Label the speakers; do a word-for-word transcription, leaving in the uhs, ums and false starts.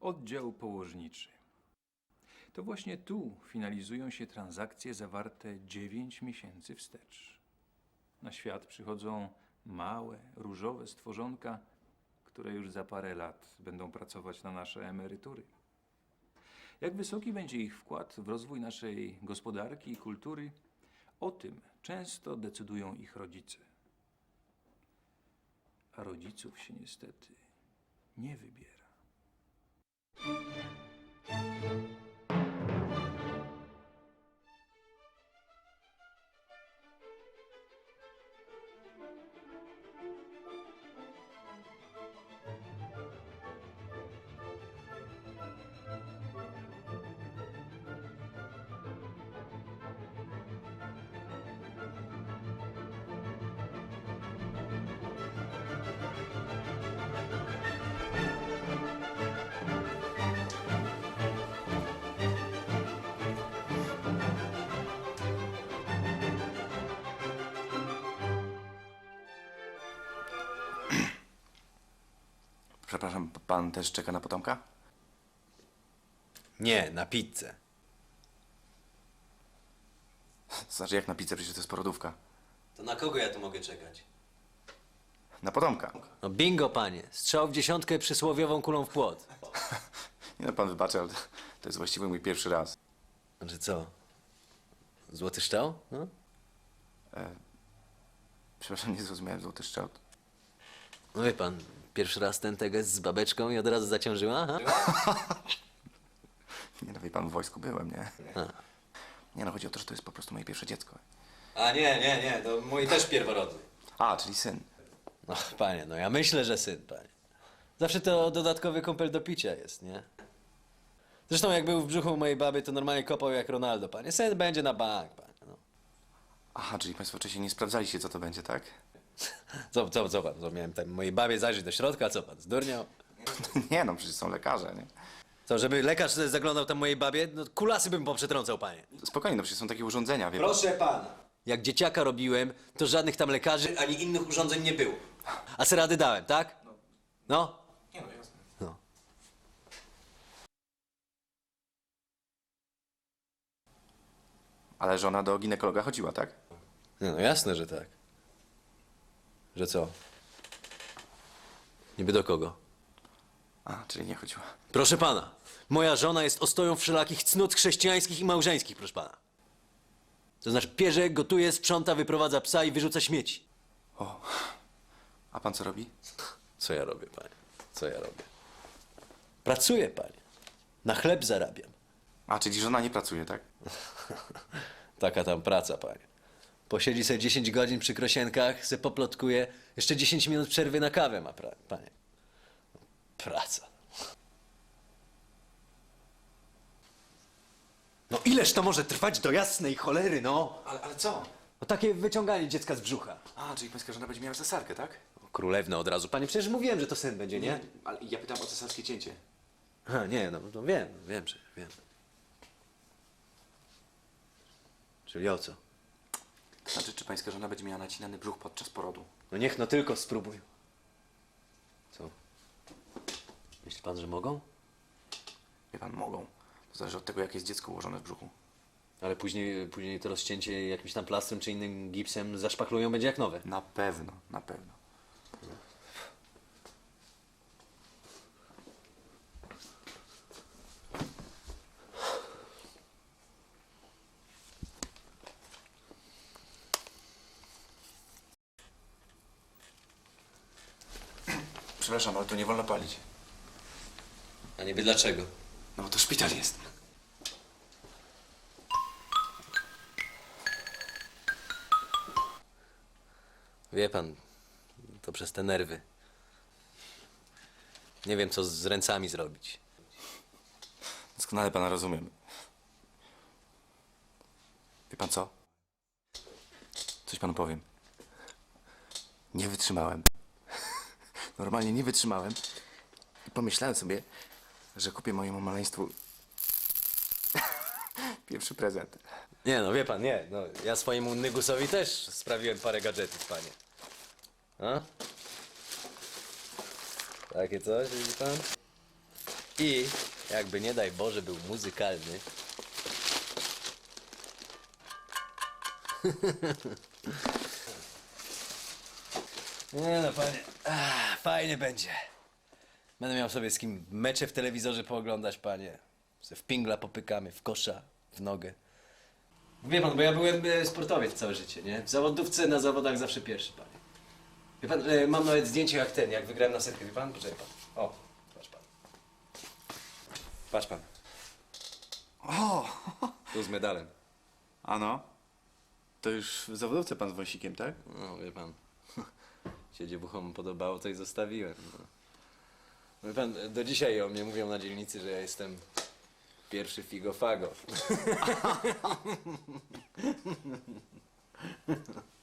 Speaker 1: Oddział położniczy. To właśnie tu finalizują się transakcje zawarte dziewięć miesięcy wstecz. Na świat przychodzą małe, różowe stworzonka, które już za parę lat będą pracować na nasze emerytury. Jak wysoki będzie ich wkład w rozwój naszej gospodarki i kultury, o tym często decydują ich rodzice. A rodziców się niestety nie wybiera.
Speaker 2: Przepraszam, pan też czeka na potomka?
Speaker 3: Nie, na pizzę.
Speaker 2: Znaczy jak na pizzę, przecież to jest porodówka.
Speaker 3: To na kogo ja tu mogę czekać?
Speaker 2: Na potomka.
Speaker 3: No bingo, panie. Strzał w dziesiątkę przysłowiową kulą w płot.
Speaker 2: Nie no, pan wybaczy, ale to jest właściwie mój pierwszy raz.
Speaker 3: Znaczy co? Złoty szczał? No?
Speaker 2: Przepraszam, nie zrozumiałem, złoty szczot.
Speaker 3: No wie pan, pierwszy raz ten teges z babeczką i od razu zaciążyła, aha?
Speaker 2: Nie no, wie pan, w wojsku byłem, nie? Nie no, chodzi o to, że to jest po prostu moje pierwsze dziecko.
Speaker 3: A nie, nie, nie, to mój też pierworodny.
Speaker 2: A, czyli syn.
Speaker 3: No panie, no ja myślę, że syn, panie. Zawsze to dodatkowy kąpel do picia jest, nie? Zresztą jak był w brzuchu mojej baby, to normalnie kopał jak Ronaldo, panie. Syn będzie na bank, panie, no.
Speaker 2: Aha, czyli państwo wcześniej nie sprawdzaliście, co to będzie, tak?
Speaker 3: Co, co, co pan, co miałem tam mojej babie zajrzeć do środka, co pan, zdurniał?
Speaker 2: Nie no, przecież są lekarze, nie?
Speaker 3: Co, żeby lekarz zaglądał tam mojej babie? No kulasy bym poprzetrącał, panie.
Speaker 2: Spokojnie, no przecież są takie urządzenia, wie pan.
Speaker 3: Proszę pana. Jak dzieciaka robiłem, to żadnych tam lekarzy ani innych urządzeń nie było. A se rady dałem, tak? No?
Speaker 2: Nie no, jasne.
Speaker 3: No.
Speaker 2: Ale żona do ginekologa chodziła, tak?
Speaker 3: No, no jasne, że tak. Że co? Niby do kogo?
Speaker 2: A, czyli nie chodziła.
Speaker 3: Proszę pana, moja żona jest ostoją wszelakich cnót chrześcijańskich i małżeńskich, proszę pana. To znaczy pierze, gotuje, sprząta, wyprowadza psa i wyrzuca śmieci.
Speaker 2: O, a pan co robi?
Speaker 3: Co ja robię, panie? Co ja robię? Pracuję, panie. Na chleb zarabiam.
Speaker 2: A, czyli żona nie pracuje, tak?
Speaker 3: Taka tam praca, panie. Posiedzi sobie dziesięć godzin przy krosienkach, se poplotkuje, jeszcze dziesięć minut przerwy na kawę ma, pra- panie. Praca. No ileż to może trwać do jasnej cholery, no?
Speaker 2: Ale, ale co?
Speaker 3: No takie wyciąganie dziecka z brzucha.
Speaker 2: A, czyli pańska żona będzie miała cesarkę, tak?
Speaker 3: O, królewna od razu. Panie, przecież mówiłem, że to syn będzie, nie?
Speaker 2: Ale ja pytam o cesarskie cięcie.
Speaker 3: A, nie, no, no wiem, wiem, że wiem. Czyli o co?
Speaker 2: Znaczy, czy pańska żona będzie miała nacinany brzuch podczas porodu?
Speaker 3: No niech no tylko spróbuj. Co? Myśli pan, że mogą?
Speaker 2: Wie pan, mogą. To zależy od tego, jak jest dziecko ułożone w brzuchu.
Speaker 3: Ale później, później to rozcięcie jakimś tam plastrem czy innym gipsem zaszpachlują, będzie jak nowe.
Speaker 2: Na pewno, na pewno. Przepraszam, ale tu nie wolno palić.
Speaker 3: A niby dlaczego?
Speaker 2: No bo to szpital jest.
Speaker 3: Wie pan, to przez te nerwy. Nie wiem, co z ręcami zrobić.
Speaker 2: Doskonale pana rozumiem. Wie pan co? Coś panu powiem. Nie wytrzymałem. Normalnie nie wytrzymałem. I pomyślałem sobie, że kupię mojemu maleństwu pierwszy prezent.
Speaker 3: Nie no, wie pan, nie. No, ja swojemu Nygusowi też sprawiłem parę gadżetów, panie. A? Takie coś, widzi pan? I jakby nie daj Boże był muzykalny. Nie no, panie. Ach, fajnie będzie. Będę miał sobie z kim mecze w telewizorze pooglądać, panie. Se w pingla popykamy, w kosza, w nogę. Wie pan, bo ja byłem e, sportowiec całe życie, nie? W zawodówce na zawodach zawsze pierwszy, panie. Wie pan, e, mam nawet zdjęcie jak ten, jak wygrałem na setkę. Wie pan? Poczekaj pan. O, patrz pan. Patrz pan.
Speaker 2: O!
Speaker 3: Tu z medalem.
Speaker 2: Ano? To już w zawodówce pan z wąsikiem, tak?
Speaker 3: No, wie pan. Się dziewuchom podobało, to i zostawiłem. No. Wie pan, do dzisiaj o mnie mówią na dzielnicy, że ja jestem pierwszy figo-fago.